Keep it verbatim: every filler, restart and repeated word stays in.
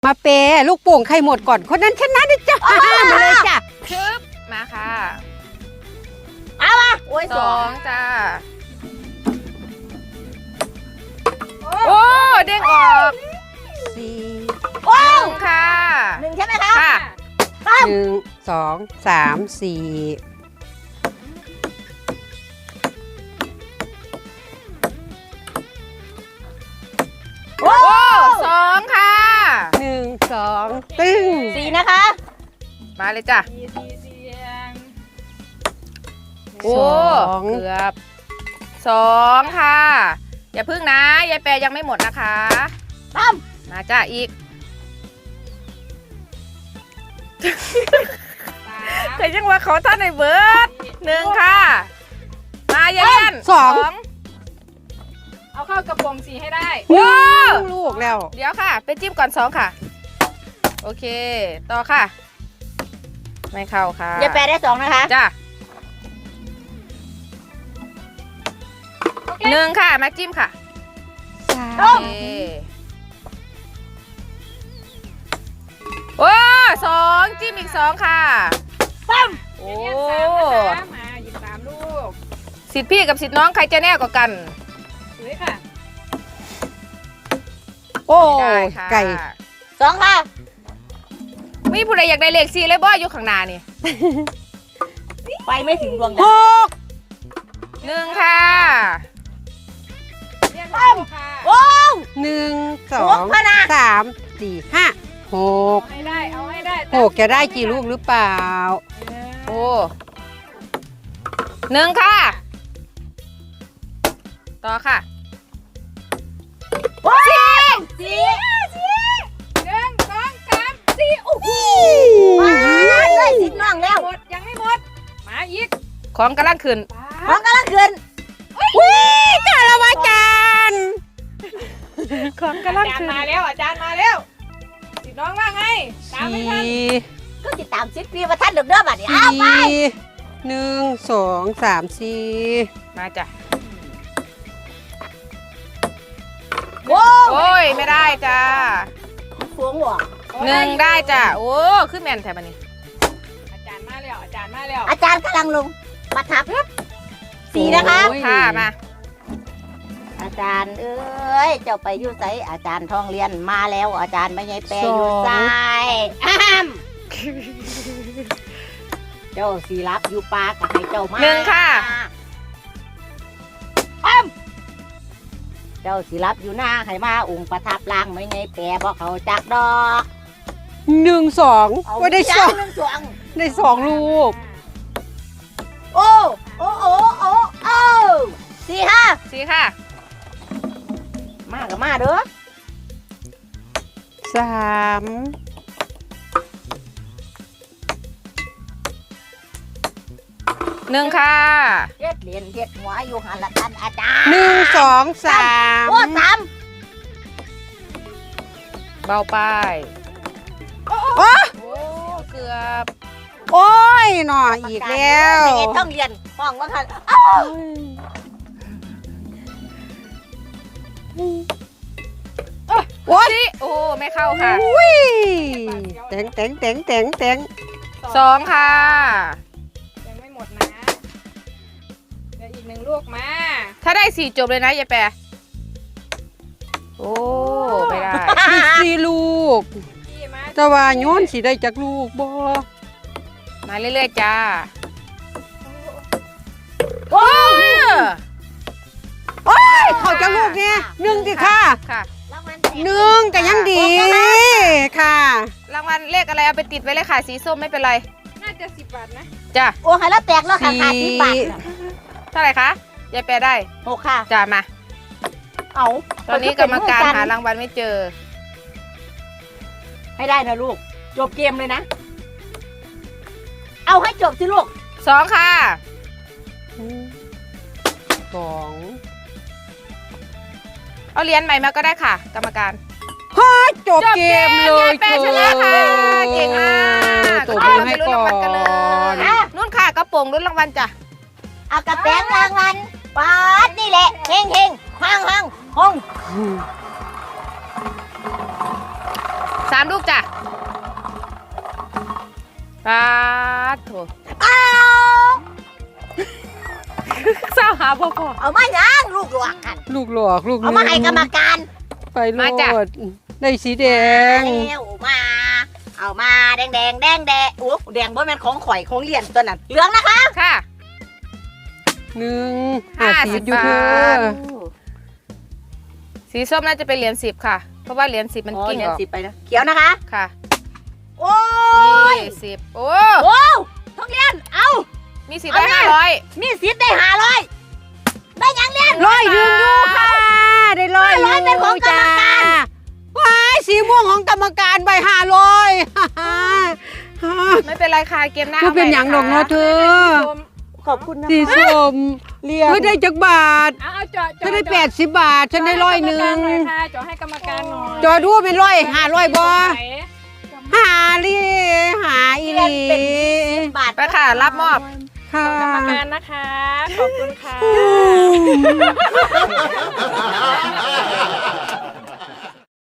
มาเปลูกโป่งใครหมดก่อนคนนั้นชนะนะจ๊ะมาเลยจ้ะคึบมาค่ะเอามาโอ้ยสองจ้าโอ้เด้งออกสี่โอ้ค่ะหนึ่งใช่ไหมคะค่ะหนึ่งสองสามสี่โอ้สองค่ะหนึ่งสองตึ้งสี่นะคะมาเลยจ้ะโอ้เกือบสองค่ะอย่าพึ่งนะยายแปรยังไม่หมดนะคะตั้มมาจ้ะอีกเคยยังว่าเขาท่านในเบิร์ดหนึ่งค่ะมายายยันสองเอาเข้ากระป๋องสีให้ได้ว้าลูกแล้วเดี๋ยวค่ะไปจิ้มก่อนสองค่ะโอเคต่อค่ะไม่เข้าค่ะยายแปรได้สองนะคะจ้ะหนึ่งค่ะมาจิ้มค่ะโอเคโอ้สองจิ้มอีกสองค่ะปั้มโอ้มาหยิบสามลูกสิทธิ์พี่กับสิทธิ์น้องใครจะแน่กว่ากันสวยค่ะโอ้ไก่สองค่ะมีผู้ใดอยากได้เลขสี่เลยบ่อยู่ข้างหน้านี่ไปไม่ถึงดวงหกหนึ่งค่ะปั้มโอ้หนึ่งสองสามสี่ห้าหกให้ได้เอาให้ได้หกจะได้กี่ลูกหรือเปล่าโอ้หนึ่งค่ะต่อค่ะสี่สี่สี่หนึ่งสองสามสี่โอ้โหมาเลยสิบน้องแล้วหมดยังไม่หมดมาอีกของกำลังขึ้นของกำลังขึ้นวิ่งจ้าละวาจานของกำลังขึ้นมาแล้วอาจารย์มาแล้วสิน้องว่าไงตามไม่ทันก็ติดตามชิดพี่ว่าท่านเดือดเดือดแบบนี้เอาไปหนึ่งสองสามสี่มาจ้ะโอ้โอ้ยไม่ได้จ้าฟวงหัวหนึ่งได้จ้ะโอ้ขึ้นแมนแถบนี้อาจารย์มาแล้วอาจารย์มาแล้วอาจารย์กำลังลงมาทับสี่นะคะค่ะมาอาจารย์เอ้ยเจ้าไปอยู่ไสอาจารย์ทองเรียนมาแล้วอาจารย์ไม่ใช่แปรอยู่ไสอ้ามเจ้าสีรับอยู่ปากกับให้เจ้ามาหนึ่งค่ะอ้ามเจ้าสีรับอยู่หน้าให้มาองค์ประทับล่างไม่ใช่แปรเพราะเขาจักดอกหนึ่งสองว่าได้สองได้สองลูกโอ้โอ้โอ้โอ้โอ้สี่ห้าสี่ค่ะมากับมาเด้อสามหนึ่งค่ะเฮ็ดเหรียญเฮ็ดหัวอยู่หันละท่านอาจารย์หนึ่งสองสามโอ้สามเบาไปโอ้โอ้เกือบโอ้ยหน่ออีกแล้วไม่ต้องเรียนห้องว่าค่ะโอ้ยโอ้ไม่เข้าค่ะแตงแตงแตงแตงแตงสองค่ะยังไม่หมดนะเดี๋ยวอีกหนึ่งลูกมาถ้าได้สี่จบเลยนะยายแปรโอ้ไม่ได้สี่ลูกแต่ว่าโยนสีได้จากลูกบ่มาเรื่อยๆจ้าโอ้ยโอ้ยเขาจะลูกเนี่ยหนึ่งสิค่ะค่ะหนึ่งแต่ยังดีค่ะรางวัลเลขอะไรเอาไปติดไว้เลยค่ะสีส้มไม่เป็นไรน่าจะสิบบาทนะจ้าโอ้ยแล้วแตกแล้วค่ะขาดสิบบาทเท่าไหร่คะยายแปรได้หกค่ะจ้ามาเอาตอนนี้กรรมการหารางวัลไม่เจอให้ได้นะลูกจบเกมเลยนะเอาให้จบสิลูกสองค่ะสองเอาเหรียญใหม่มาก็ได้ค่ะกรรมการฮ่าจบเกมเลยแปรชนะค่ะเก่งมากตัวมือให้ก่อนนู่นค่ะกระโปรงรุ่นรางวัลจ้ะเอากระแปงรางวัลป๊าดนี่แหละเฮงเฮงห้างห้างห้องสามลูกจ้ะปาดโถอ้าวเศร้าหาพ่อพ่อเอามายังลูกหลวงกันลูกหลอกลูกเอามาให้กรรมการไปโลดได้สีแดงแล้วมา เอามาแดงแดงแดงแดงโอ้แดงบ่แม่นของข่อยของเหรียญตัวนั้นเหลืองนะคะค่ะหนึ่งห้าห้าสิสิบบอยู่เธบาอท สีส้มน่าจะเป็นเหรียญสิบค่ะ เพราะว่าเหรียญสิบมันอ๋อกิ้งเหรียอญอกสิบไปนะเขียวนะคะค่ะโอ้ยยี่สิบโอ้โอ้ทุกเรียนเอามีสิบได้ห้าร้อยมีสิทธิ์ได้หาร้อยได้ยังเรียนร้อยหนึ่งอยู่ค่ะได้ร้อยร้อยเป็นของกรรมการว้ายสีม่วงของกรรมการใบห้าร้อยไม่เป็นไรค่ะเกมหน้าก็เป็นอย่างดอกเนาะเธอขอบคุณนะสีคะส้มเรียนเธอได้จักบาทเอาเอาจอดจอฉันได้แปดสิบบาท ฉันได้ร้อยหนึ่งจอให้กรรมการหน่อยจอดูว่าเป็นร้อยห้าร้อยบ่ไหนหาลีหาอีหลีบาทไปค่ะ รับมอบค่ะกรรมการนะคะ ขอบคุณค่ะอืม